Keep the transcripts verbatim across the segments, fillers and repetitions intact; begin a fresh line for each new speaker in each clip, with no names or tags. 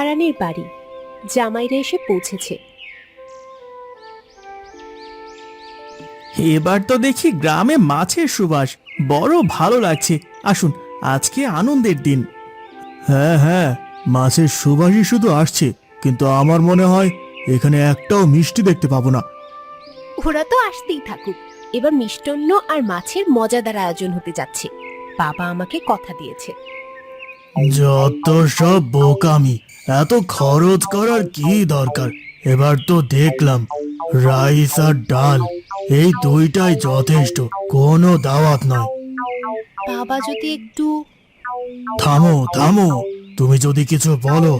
হারানের বাড়ি। জামাইরা এসে পৌঁছেছে।
এবার তো দেখি গ্রামে মাছের সুবাস, বড় ভালো লাগছে। আসুন, আজকে আনন্দের দিন। হ্যাঁ হ্যাঁ, মাছের সুবাসই শুধু আসছে, কিন্তু আমার মনে হয় এখানে একটাও মিষ্টি দেখতে পাবো না।
ওরা তো আসতেই থাকুক, এবার মিষ্টান্ন আর মাছের মজাদার আয়োজন হতে যাচ্ছে। বাবা আমাকে কথা দিয়েছে।
যত সব বোকামি, এত খরচ করার কি দরকার? এবার তো দেখলাম রাইস আর ডাল, এই দুইটাই যথেষ্ট, কোনো দাওয়াত নয়।
বাবা যদি একটু
থামো থামো, তুমি যদি কিছু বলো।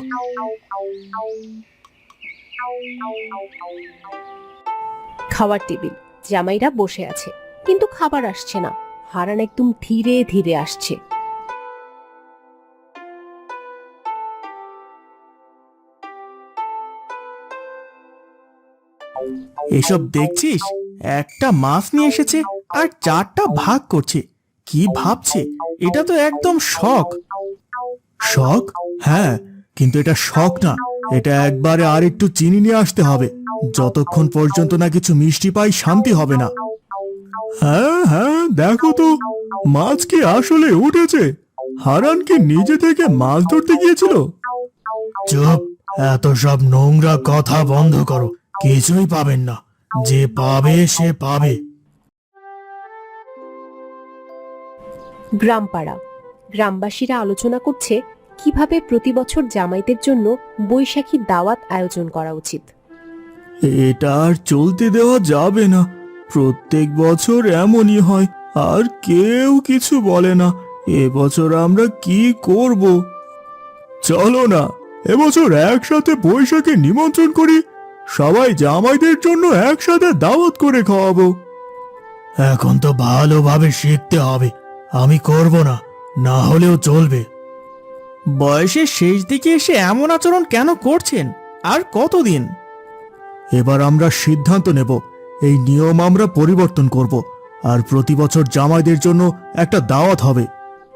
খাওয়ার টেবিল, জামাইরা বসে আছে, কিন্তু খাবার আসছে না। হারান একদম ধীরে ধীরে আসছে।
এসব দেখছিস? একটা মাছ নিয়ে এসেছে আর চারটা ভাগ করছে। কি ভাবছে? এটা তো একদম শখ। শখ? হ্যাঁ, কিন্তু এটা শখ না, এটা একবারে আর একটু চিনি নিয়ে আসতে হবে। যতক্ষণ পর্যন্ত না কিছু মিষ্টি পাই, শান্তি হবে না। হ্যাঁ হ্যাঁ, দেখো তো, মাছ কি আসলে উঠেছে? হারান কি নিজে থেকে মাছ ধরতে গিয়েছিল? চুপ, এত সব নোংরা কথা বন্ধ করো। কিছুই পাবেন না, যে পাবে সে পাবে।
গ্রামপাড়া, গ্রামবাসীরা আলোচনা করছে কিভাবে প্রতি বছর জামাইদের জন্য বৈশাখী দাওয়াত আয়োজন করা উচিত।
এটা আর চলতে দেওয়া যাবে না। প্রত্যেক বছর এমনই হয়, আর কেউ কিছু বলে না। এবছর আমরা কি করব? চলো না, এবছর একসাথে বৈশাখে নিমন্ত্রণ করি। সবাই জামাইদের জন্য একসাথে দাওয়াত করে খাওয়াবো। এখন তো ভালোভাবে শিখতে হবে। আমি করব না, না হলেও চলবে। বয়সের শেষ দিকে এসে এমন আচরণ কেন করছেন? আর কতদিন? এবার আমরা সিদ্ধান্ত নেব, এই নিয়ম আমরা পরিবর্তন করব, আর প্রতি বছর জামাইদের জন্য একটা দাওয়াত হবে।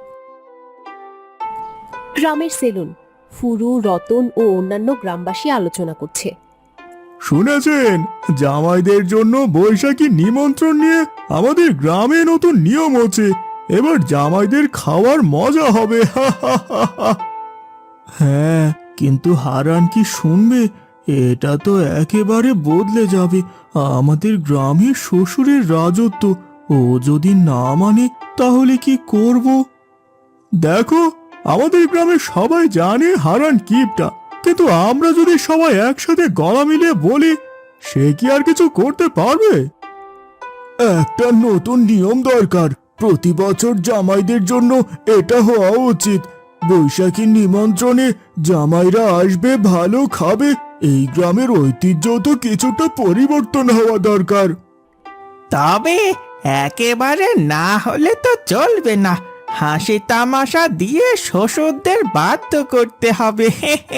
গ্রামের সেলুন, ফুরু, রতন ও অন্যান্য গ্রামবাসী আলোচনা করছে।
শুনেছেন, জামাইদের জন্য বৈশাখী নিমন্ত্রণ নিয়ে আমাদের গ্রামে নতুন নিয়ম হচ্ছে। এবার জামাইদের খাওয়ার মজা হবে। হ্যাঁ, কিন্তু হারান কি শুনবে? এটা তো একেবারে বদলে যাবে। আমাদের গ্রামে শ্বশুরের রাজত্ব, ও যদি না মানে তাহলে কি করব? দেখো, আমাদের গ্রামে সবাই জানে হারান কিপটা, কিন্তু আমরা যদি সবাই একসাথে গলা মিলিয়ে বলি, সে কি আর কিছু করতে পারবে? একটা নতুন নিয়ম দরকার। প্রতি বছর জামাইদের জন্য এটা হওয়া উচিত। বৈশাখী নিমন্ত্রণে জামাইরা আসবে, ভালো খাবে। এই গ্রামের ঐতিহ্য তো কিছুটা পরিবর্তন হওয়া দরকার। তবে একেবারে না হলে তো চলবে না। হাসি তামাশা দিয়ে শ্বশুরদের বাধ্য করতে হবে।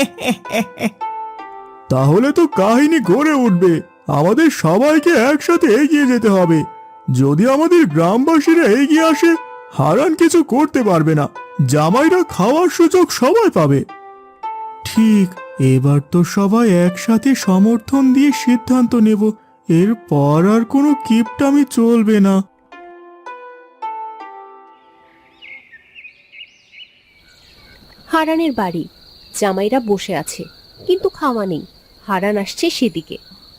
তাহলে তো কাহিনী গড়ে উঠবে। আমাদের সবাইকে একসাথে এগিয়ে যেতে হবে। যদি আমাদের গ্রামবাসীরা এগিয়ে আসে, হারান কিছু করতে পারবে না। জামাইরা খাওয়ার সুযোগ সবাই পাবে। ঠিক, এবার তো সবাই একসাথে সমর্থন দিয়ে সিদ্ধান্ত নেব। এরপর আর কোনো কিপটামি চলবে না।
হারানের বাড়ি, জামাইরা বসে আছে, কিন্তু খাওয়া নেই। হারান আসছে সেদিকে।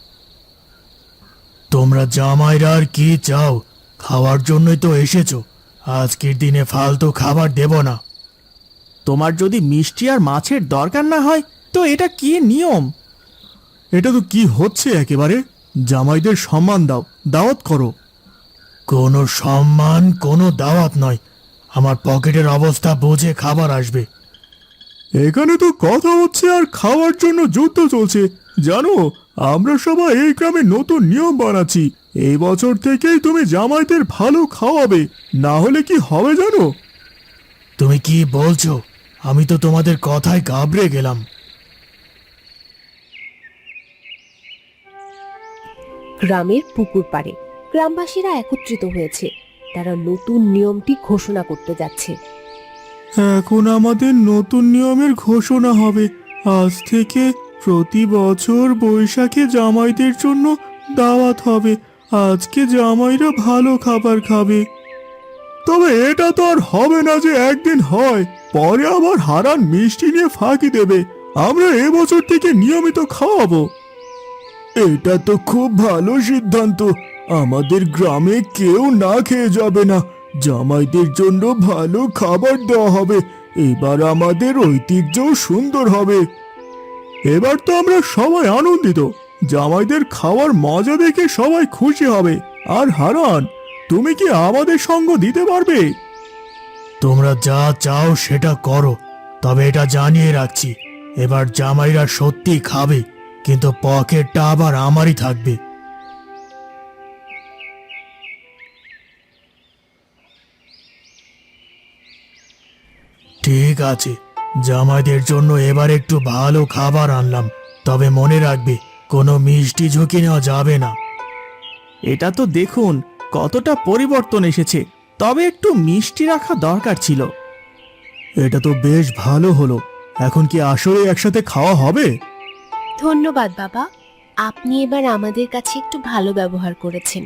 তোমরা জামাইরা আর কি চাও? খাওয়ার জন্যই তো এসেছো। আজকের দিনে ফালতু খাবার দেব না। তোমার যদি মিষ্টি আর মাছের দরকার না হয়, তো এটা কি নিয়ম? এটা তো কি হচ্ছে একেবারে? জামাইদের সম্মান দাও, দাওয়াত করো। কোনো সম্মান, কোনো দাওয়াত নয়। আমার পকেটের অবস্থা বুঝে খাবার আসবে। এখানে তো কথা হচ্ছে আর খাওয়ার জন্য যুদ্ধ চলছে। জানো, আমরা সবাই এই গ্রামে নতুন নিয়ম বানাচ্ছি। এই বছর থেকেই তুমি জামাইদের ভালো খাওয়াবে, না হলে কি হবে জানো? তুমি কি বলছো? আমি তো তোমাদের কথায় ঘাবড়ে গেলাম।
গ্রামের পুকুর পাড়ে গ্রামবাসীরা একত্রিত হয়েছে। তারা নতুন নিয়মটি ঘোষণা করতে যাচ্ছে।
এখন আমাদের নতুন নিয়মের ঘোষণা হবে। আজ থেকে প্রতি বছর বৈশাখে জামাইদের জন্য দাওয়াত হবে। আজকে জামাইরা ভালো খাবার খাবে। তবে এটা তো আর হবে না যে একদিন হয়, পরে আবার হারান মিষ্টি নিয়ে ফাঁকি দেবে। আমরা এবছর থেকে নিয়মিত খাওয়াবো। এটা তো খুব ভালো সিদ্ধান্ত। আমাদের গ্রামে কেউ না খেয়ে যাবে না। জামাইদের জন্য ভালো খাবার দেওয়া হবে। এবার আমাদের ঐতিহ্যও সুন্দর হবে। এবার তো আমরা সবাই আনন্দিত। জামাইদের খাওয়ার মজা দেখে সবাই খুশি হবে। আর হারান, তুমি কি আমাদের সঙ্গ দিতে পারবে? তোমরা যা চাও সেটা করো, তবে এটা জানিয়ে রাখছি, এবার জামাইরা সত্যি খাবে, কিন্তু পকেটটা আবার আমারই থাকবে। ঠিক আছে, জামাইদের জন্য এবার একটু ভালো খাবার আনলাম, তবে মনে রাখবে কোনো মিষ্টি ঝুঁকি নেওয়া যাবে না। এটা তো দেখুন কতটা পরিবর্তন এসেছে, তবে একটু মিষ্টি রাখা দরকার ছিল। এটা তো বেশ ভালো হলো। এখন কি আসলে একসাথে খাওয়া হবে?
ধন্যবাদ বাবা, আপনি এবার আমাদের কাছে একটু ভালো ব্যবহার করেছেন।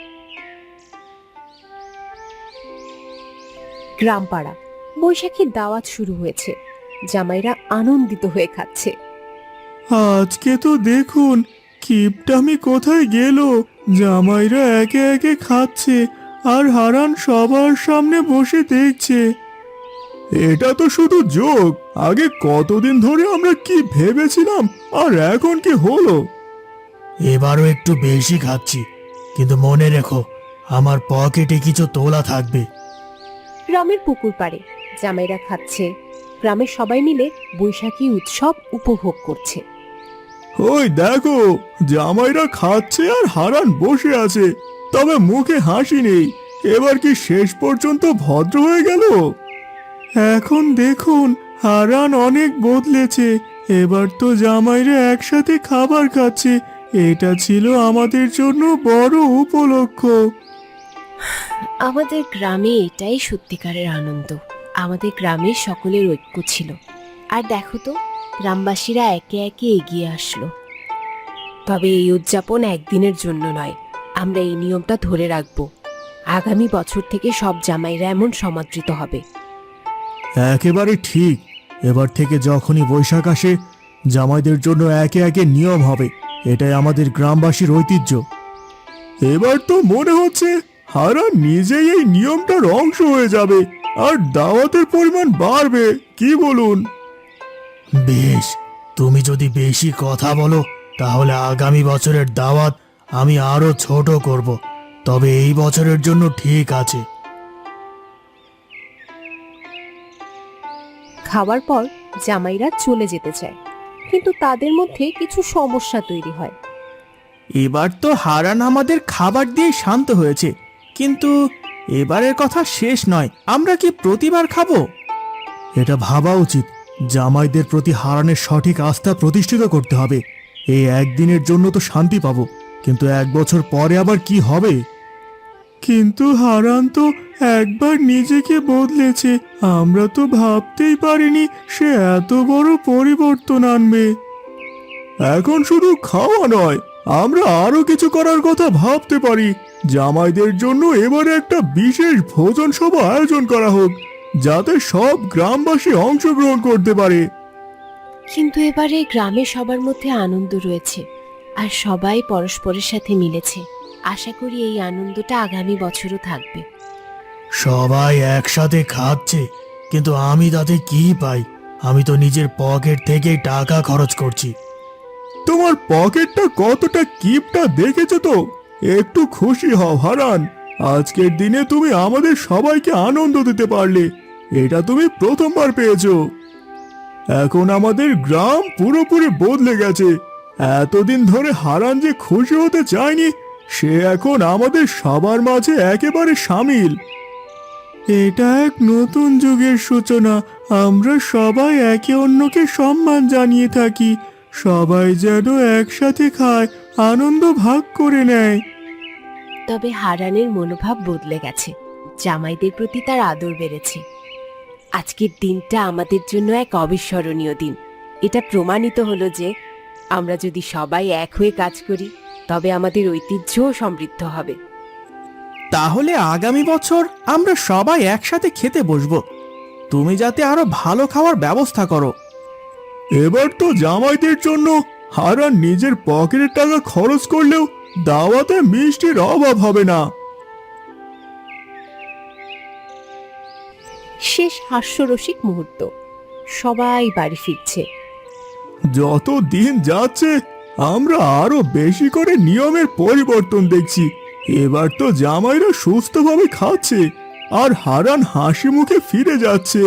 গ্রামপাড়া বৈশাখীর দাওয়াত শুরু হয়েছে। জামাইরা আনন্দিত হয়ে খাচ্ছে।
আজকে তো দেখুন কিপটামি কোথায় গেল। জামাইরা একে একে খাচ্ছে আর হারান সবার সামনে বসে দেখছে। এটা তো শুধু জোক। আগে কতদিন ধরে আমরা কি ভেবেছিলাম, আর এখন কি হলো? এবারও একটু বেশি খাচ্ছি, কিন্তু মনে রেখো আমার পকেটে কিছু তোলা থাকবে।
গ্রামের পুকুর পাড়ে জামাইরা খাচ্ছে। গ্রামের সবাই মিলে বৈশাখী উৎসব উপভোগ করছে।
ওই দেখো, জামাইরা খাচ্ছে আর হারান বসে আছে, তবে মুখে হাসি নেই। এবার কি শেষ পর্যন্ত ভদ্র হয়ে গেল? এখন দেখুন হারান অনেক বদলেছে। এবার তো জামাইরা একসাথে খাবার খাচ্ছে। এটা ছিল আমাদের জন্য বড় উপলক্ষ।
আমাদের গ্রামে এটাই সত্যিকারের আনন্দ। আমাদের গ্রামে সকলের ঐক্য ছিল। আর দেখো তো, গ্রামবাসীরা একে একে এগিয়ে আসলো। তবে এই উদযাপন একদিনের জন্য নয়, আমরা এই নিয়মটা ধরে রাখবো। আগামী বছর থেকে সব জামাইরা এমন সমাদৃত হবে।
একেবারে ঠিক। এবার থেকে যখনই বৈশাখ আসে, জামাইদের জন্য একে একে নিয়ম হবে। এটাই আমাদের গ্রামবাসীর ঐতিহ্য। এবার তো মনে হচ্ছে হারান নিজেই এই নিয়মটার অংশ হয়ে যাবে, আর দাওয়াতের পরিমাণ বাড়বে। কি বলুন? বেশ, তুমি যদি বেশি কথা বলো তাহলে আগামী বছরের দাওয়াত আমি আরো ছোট করব। তবে এই বছরের জন্য ঠিক আছে।
খাওয়ার পর জামাইরা চলে যেতে চায়, কিন্তু তাদের মধ্যে কিছু সমস্যা তৈরি হয়।
এবার তো হারান আমাদের খাবার দিয়ে শান্ত হয়েছে, কিন্তু এবারের কথা শেষ নয়। আমরা কি প্রতিবার খাবো? এটা ভাবা উচিত। জামাইদের প্রতি হারানের সঠিক আস্থা প্রতিষ্ঠিত করতে হবে। এই একদিনের জন্য তো শান্তি পাবো, কিন্তু এক বছর পরে আবার কি হবে? কিন্তু হারান তো একবার নিজেকে বদলেছে। আমরা তো ভাবতেই পারিনি সে এত বড় পরিবর্তন আনবে। এখন শুধু খাওয়া নয়, আমরা আরো কিছু করার কথা ভাবতে পারি। জামাইদের জন্য এবারে একটা বিশেষ ভোজন সভা আয়োজন করা হোক, যাতে সব গ্রামবাসী অংশগ্রহণ করতে পারে।
কিন্তু এবারে গ্রামে সবার মধ্যে আনন্দ রয়েছে, আর সবাই পরস্পরের সাথে মিলেছে। আশা করি এই আনন্দটা আগামী বছরও থাকবে।
সবাই একসাথে খাচ্ছে, কিন্তু আমি তাতে কি পাই? আমি তো নিজের পকেট থেকে টাকা খরচ করছি। তোমার পকেটটা কতটা কিপটা দেখেছো তো? একটু খুশি হও হারান। আজকের দিনে তুমি আমাদের সবাইকে আনন্দ দিতে পারলে। এটা তুমি প্রথমবার পেয়েছো। এখন আমাদের গ্রাম পুরোপুরি বদলে গেছে। এতদিন ধরে হারান যে খুশি হতে চায়নি, সে এখন আমাদের সবার মাঝে একেবারে সামিল। এটা এক নতুন যুগের সূচনা। আমরা সবাই একে অন্যকে সম্মান জানিয়ে থাকি। সবাই যেন একসাথে খায়, আনন্দ ভাগ করে নেয়।
তবে হারানের মনোভাব বদলে গেছে। জামাইদের প্রতি তার আদর বেড়েছে। আজকের দিনটা আমাদের জন্য এক অবিস্মরণীয় দিন। এটা প্রমাণিত হলো যে আমরা যদি সবাই এক হয়ে কাজ করি তবে আমাদের ঐতিহ্যও সমৃদ্ধ হবে।
তাহলে আগামী বছর আমরা সবাই একসাথে খেতে বসবো। তুমি যাতে আরো ভালো খাওয়ার ব্যবস্থা করো। এবার তো জামাইদের জন্য হারান নিজের পকেটের টাকা খরচ করলেও দাওয়াতে মিষ্টির অভাব হবে না।
শেষ হাস্যরসিক মুহূর্ত, সবাই বাড়ি ফিরছে।
যত দিন যাচ্ছে আমরা আরো বেশি করে নিয়মের পরিবর্তন দেখছি। এবার তো জামাইরা সুস্থভাবে খাচ্ছে আর হারান হাসি মুখে ফিরে যাচ্ছে।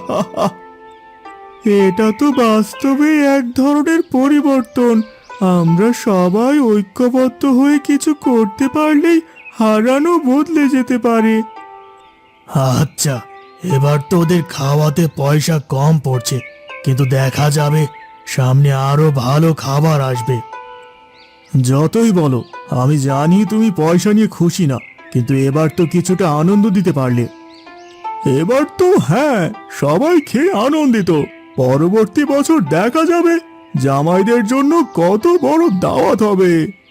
এটা তো বাস্তবে এক ধরনের পরিবর্তন। আমরা সবাই ঐক্যবদ্ধ হয়ে কিছু করতে পারলেই হারানও বদলে যেতে পারে। আচ্ছা, এবার তো ওদের খাওয়াতে পয়সা কম পড়ছে, কিন্তু দেখা যাবে সামনে আরো ভালো খাবার আসবে। যতই বলো, আমি জানি তুমি পয়সা নিয়ে খুশি না, কিন্তু এবার তো কিছুটা আনন্দ দিতে পারলে। এবার তো হ্যাঁ, সবাই খেয়ে আনন্দিত। পরবর্তী বছর দেখা যাবে জামাইদের জন্য কত বড় দাওয়াত হবে।